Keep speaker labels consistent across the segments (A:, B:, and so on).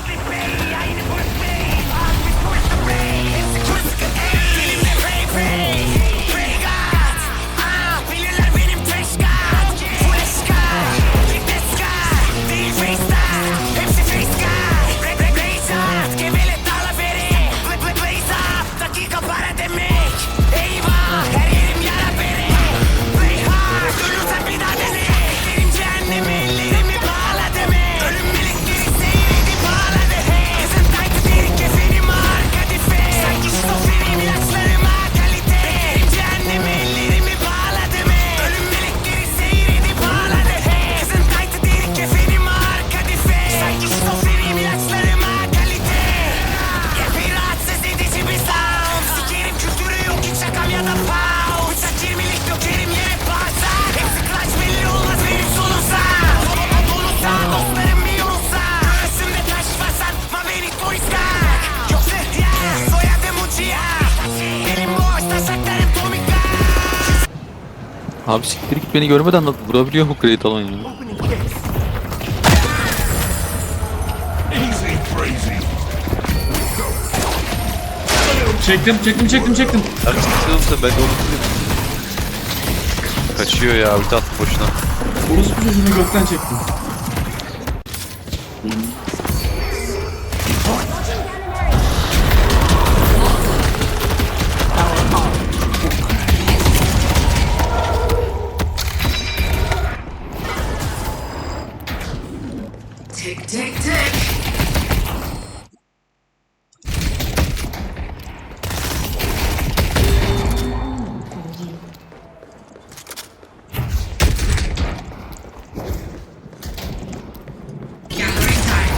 A: Abi siktir git, beni görmeden vurabiliyor mu kredi alan ya?
B: Çektim.
C: Artık sıkılırsa ben de onu kaçıyor ya, ulti attı boşuna.
B: Orospu çocuğunu gökten çektim.
D: Tick, tick, tick. Gathering time.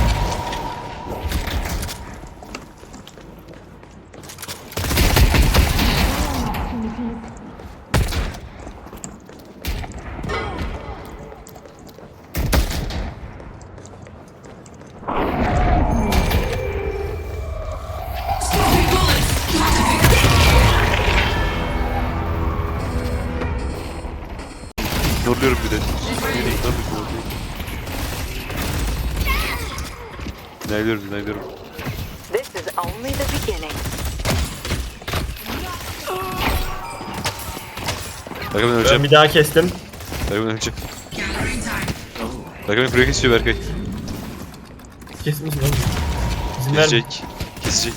D: Smoking bullets.
C: Zorluyorum bir de. Neyliyorum.
E: This is only the beginning.
C: Berkay ben
F: Ben
C: öleceğim.
F: bir daha kestim.
C: Berkay ben öleceğim.
D: Gathering time.
C: Berkay beni buraya kesiyor Berkay.
F: Kesmişsin oğlum. İzin ver.
C: Kesecek.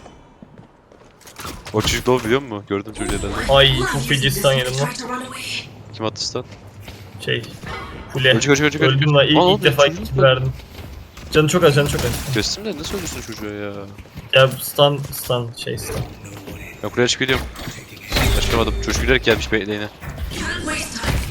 C: O çocuk da o biliyor musun? Gördüm çocuğu herhalde.
F: Ay çok feci stun yedim lan.
D: Try to run away.
C: Kim attı stun?
F: Şey. Fule.
C: Ölecek.
F: Öldüm lan.
C: Lan
F: İlk defa
C: çocuk
F: kill verdim. Canı çok az.
C: Kestim de nasıl ölüyorsun çocuğa ya?
F: Ya stun.
C: Ben buraya çık geliyorum. Çıkamadım. Çocuk gülerek gelmiş lane'e.
D: Can't waste time.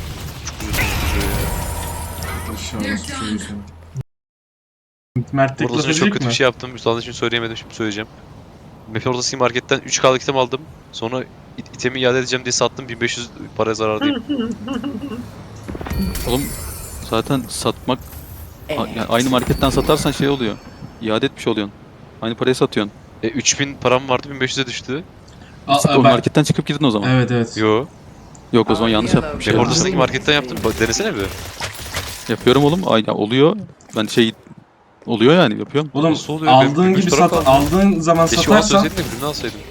B: İnşallah çocuğu. Mert tek
C: Burada
B: laf
C: çok
B: edecek
C: kötü
B: mi?
C: bir şey yaptım. Utandım, şimdi söyleyemedim, şimdi söyleyeceğim. Map'in ortasındaki marketten 3K'lık item aldım. Sonra itemi iade edeceğim diye sattım, 1500 para zarardayım.
A: Oğlum zaten satmak yani aynı marketten satarsan şey oluyor. İade etmiş oluyorsun. Aynı paraya satıyorsun.
C: 3000 param vardı, 1500'e düştü.
A: O marketten çıkıp gidin o zaman.
B: Evet.
C: Yo.
A: Yok o zaman yanlış yapmış.
C: Map ortasındaki marketten yaptım. Denesene bir.
A: Yapıyorum oğlum. Ay, ya oluyor. Ben şey oluyor yani yapıyorum.
B: Oğlum
C: Nasıl oluyor?
B: aldığın
C: Benim
B: gibi
C: üç taraf aldım.
B: aldığın zaman
C: Keşke bana
B: satarsan
C: söyleseydin de ürünü alsaydım.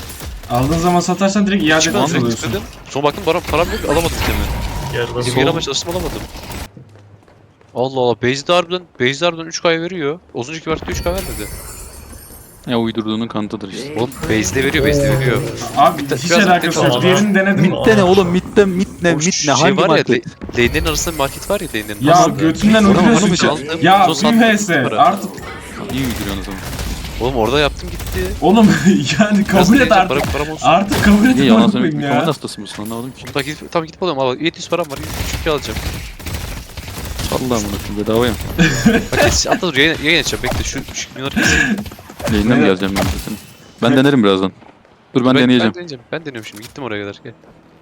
B: direkt iade
C: Çıkmadım,
B: etmiş
C: direkt
B: oluyorsun.
C: tıkladım. Sonra baktım param yok, alamadım itemi.
F: Yarıda
C: İtemi
F: sol.
C: yaramaya çalıştım, alamadım. Allah Allah, Base'de harbiden 3K veriyor. Az önceki versiyonda 3K vermedi.
A: Ya uydurduğunun kanıtıdır işte.
C: Oğlum base'de veriyor.
B: Abi
C: Biraz
B: hiç alakası yok.
F: tamam.
B: Diğerini denedim.
A: Mitte ne oğlum? Mitte ne?
C: Oğlum şu
A: Hangi
C: şey var
A: market?
C: ya, lane'lerin arasında bir market var ya, lane'lerin
B: Ya
C: arasında.
B: götünden
A: Onu
B: uydurıyorsun.
A: mu
C: çaldım?
B: Ya
C: Son sattım
B: BMS
C: para.
B: artık.
A: İyi uyduruyorsun o zaman.
C: Oğlum orada yaptım gitti.
B: Oğlum yani kabul et artık.
C: Param olsun.
B: Artık kabul et
A: Niye yalan
B: bakmayın
A: söylemek?
B: ya.
A: Mikrofon hastası mısın? Anlamadım ki.
C: Tamam gidip alıyorum, al. 700 param var, 3 alacağım.
A: Allah'ım bunu bedavaya.
C: Bak hatta dur, yayın açacağım, bekle şu milyonları keseyim.
A: Yayına mı geleceğim ben de senin? Ben denerim birazdan. Dur ben deneyeceğim.
C: Ben deniyorum şimdi, gittim oraya kadar, gel.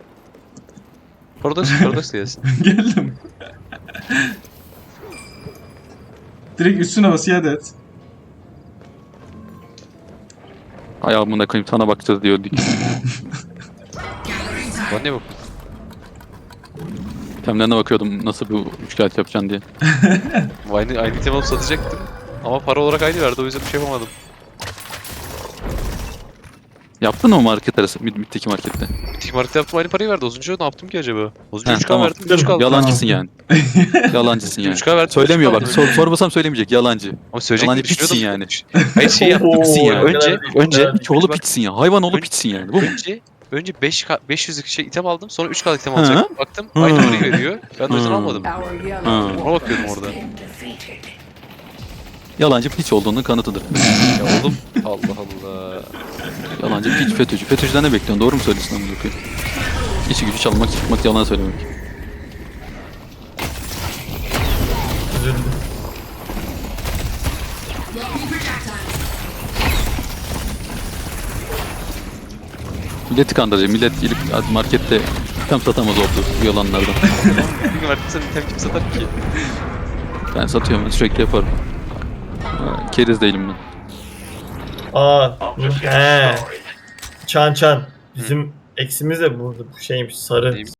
C: Paradox da gelsin.
B: Geldim. Direkt üstüne bas iade et.
A: Hay amına koyayım, sana bakacağız diyorduk.
D: Gathering time.
C: Bana ne bak?
A: Temlerine bakıyordum nasıl bir üçkağıt yapacaksın diye.
C: Aynı item alıp satacaktım. Ama para olarak aynı verdi, o yüzden bir şey yapamadım.
A: Yaptın mı market arası? Mid'deki markette.
C: Bitik markette yaptım, aynı parayı verdi. Az önce ne yaptım ki acaba? Az önce
A: Ha,
C: 3K
A: tamam.
C: verdim, 3K aldım.
A: Yalancısın yani. Yalancısın yani.
C: 3K verdim,
A: Söylemiyor
C: 3K
A: bak.
C: aldım.
A: Sormasam söylemeyecek. Yalancı.
C: Ama söyleyecek
A: Yalancı
C: mi düşünüyordum.
A: piçsin yani.
C: Hayır şey yaptım.
A: Piçsin yani.
C: Önce
A: Çoğulu piçsin ya. Hayvan oğlu piçsin yani. Bu mu?
C: Önce 500'lük şey item aldım, sonra 3K'lık item
A: Hı.
C: alacaktım. Baktım
A: Hı.
C: aynı parayı veriyor. Ben de o yüzden
A: Hı.
C: almadım.
D: Our yellow
A: Ha.
C: Ona bakıyordum orada.
D: been defeated.
A: Yalancı piç olduğunun kanıtıdır.
C: Ya oğlum Allah Allah.
A: Yalancı piç FETÖ'cü. FETÖ'cüden ne bekliyorsun? Doğru mu söylüyorsun amına koyayım? İşi gücü çalmak, çıkmak, yalan söylemek.
F: Üzüldüm.
D: Local projectiles.
A: Milleti kandıracak. Millet gelip markette tam satamaz oldu bu yalanlardan.
C: Bir gün verdim, sen item kim satar ki?
A: Ben satıyorum. Ben sürekli yaparım. Ha, keriz değilim ben.
F: Aa. He. Çan. Bizim eksimiz de burada bu şeymiş sarı.
C: Neymiş?